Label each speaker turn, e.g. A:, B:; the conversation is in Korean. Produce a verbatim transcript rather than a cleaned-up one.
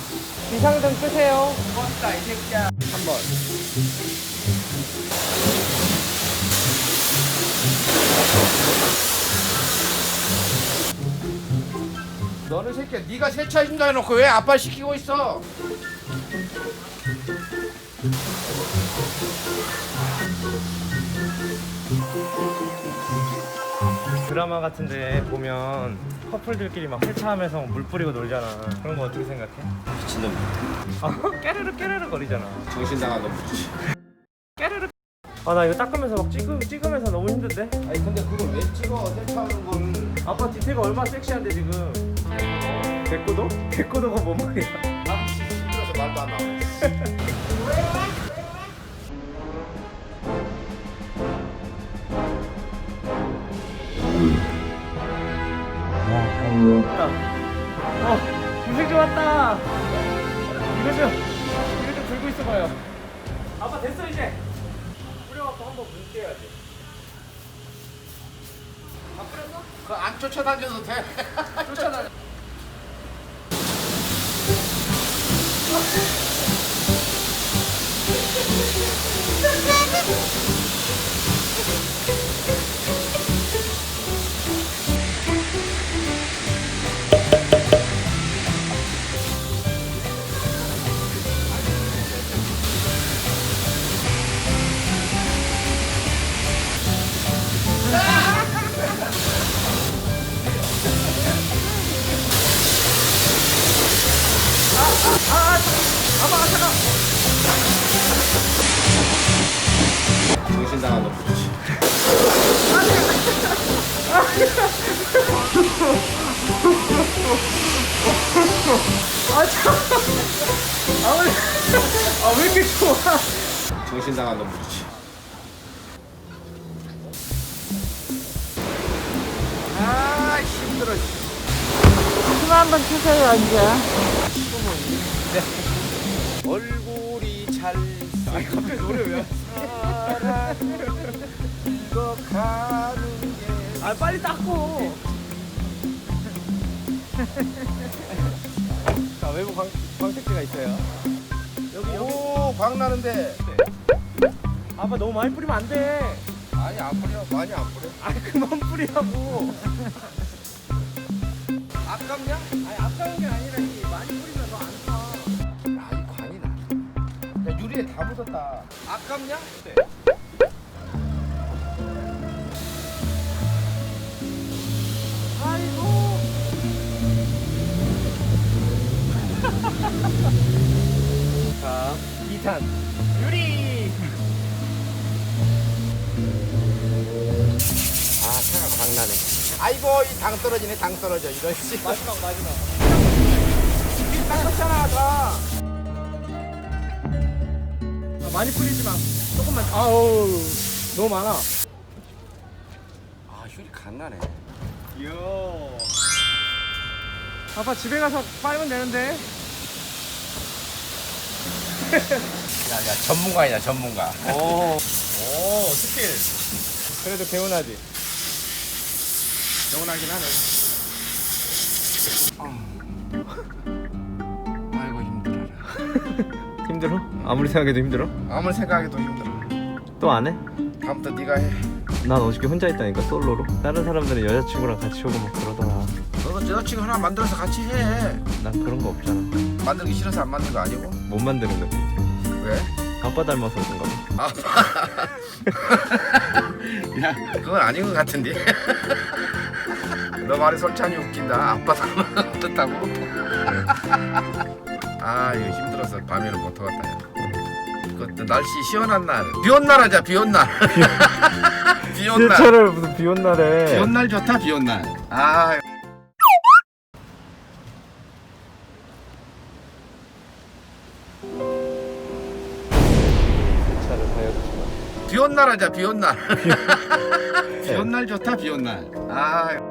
A: 비상등 끄세요.
B: 껐다 이 새끼야.
A: 한번.
B: 너는 새끼야, 네가 세차해준다 해놓고 왜 아빠 시키고 있어?
A: 드라마 같은데 보면 커플들끼리 막 세차하면서 물 뿌리고 놀잖아. 그런 거 어떻게 생각해?
B: 미친놈.
A: 아, 깨르르 깨르르 거리잖아.
B: 정신 나간 놈이지.
A: 깨르르. 아, 나 이거 닦으면서 막 찍으, 찍으면서 너무 힘든데?
B: 아니 근데 그걸 왜 찍어? 세차하는 거를.
A: 아빠 디테가 얼마나 섹시한데 지금. 개꼬도? 개꼬도가 뭔 말이야?
B: 아 진짜 힘들어서 말도 안 나와.
A: 왔다. 어, 김생주 왔다. 이거 좀, 이거 좀 들고 있어봐요. 아빠 됐어 이제. 뿌려갖고 한번 물게야지. 아 뿌렸어?
B: 그안 쫓아다녀도 돼.
A: 쫓아다녀.
B: 정신 나간 놈이지.
A: 아 참. 아 왜? 아 왜 이렇게 좋아?
B: 정신 나간 놈이지. 아 힘들어.
C: 숨 한번 쉬세요 이제.
B: 얼굴이 잘.
A: 아니 갑자기 노래 왜?
B: 이거 가는 게.
A: 아 빨리 닦고. 자 외부 광 광택지가 있어요. 여기 여기.
B: 오, 광 나는데.
A: 아빠 너무 많이 뿌리면 안 돼.
B: 아니 안 뿌려. 많이 안 뿌려.
A: 아 그만 뿌리라고.
B: 아깝냐?
A: 아니 아까운 게 아니라 이게 많이 뿌리면 더 안 타.
B: 아, 이 광이 나. 야, 유리에 다 묻었다. 아깝냐?
A: 네.
C: 아이고.
A: 자 이 탄 유리.
B: 아, 차가 광 나네. 아이고, 이 당 떨어지네, 당 떨어져. 이런 씨.
A: 마지막 마지막.
B: 닦았잖아, 다.
A: 아, 많이 뿌리지 마. 조금만. 아우 너무 많아.
B: 아, 유리 간 나네.
A: 이야. 아빠 집에 가서 빨면 되는데.
B: 야, 야, 전문가이냐, 전문가.
A: 오. 오 스킬. 그래도 개운하지.
B: 개운하긴 하네. 아이고, 힘들어라.
A: 힘들어? 아무리 생각해도 힘들어?
B: 아무리 생각해도 힘들어.
A: 또 안 해?
B: 다음부터 네가 해.
A: 난 어저께 혼자 있다니까 솔로로. 다른 사람들은 여자친구랑 같이 오고 막 그러더라.
B: 너도 여자친구 하나 만들어서 같이 해.
A: 난 그런 거 없잖아.
B: 만들기 싫어서 안 만든 거 아니고?
A: 못 만드는 느낌이지.
B: 왜?
A: 아빠 닮아서 그런가 봐.
B: 아빠. 야, 그건 아닌 것 같은데. 너 말이 솔찬히 웃긴다. 아빠 닮은 듯하고. 아, 이거 힘들어서 밤에는 못 하겠다. 야. 그것도 날씨 시원한 날. 비 온 날 하자. 비 온 날. 비 온 날.
A: 세차를 무슨 비 온 날에.
B: 비 온 날 좋다. 비 온 날. 아.
A: 세차를 하여주시면.
B: 비 온 날 하자. 비 온 날. 비 온 날 좋다. 비 온 날. 아.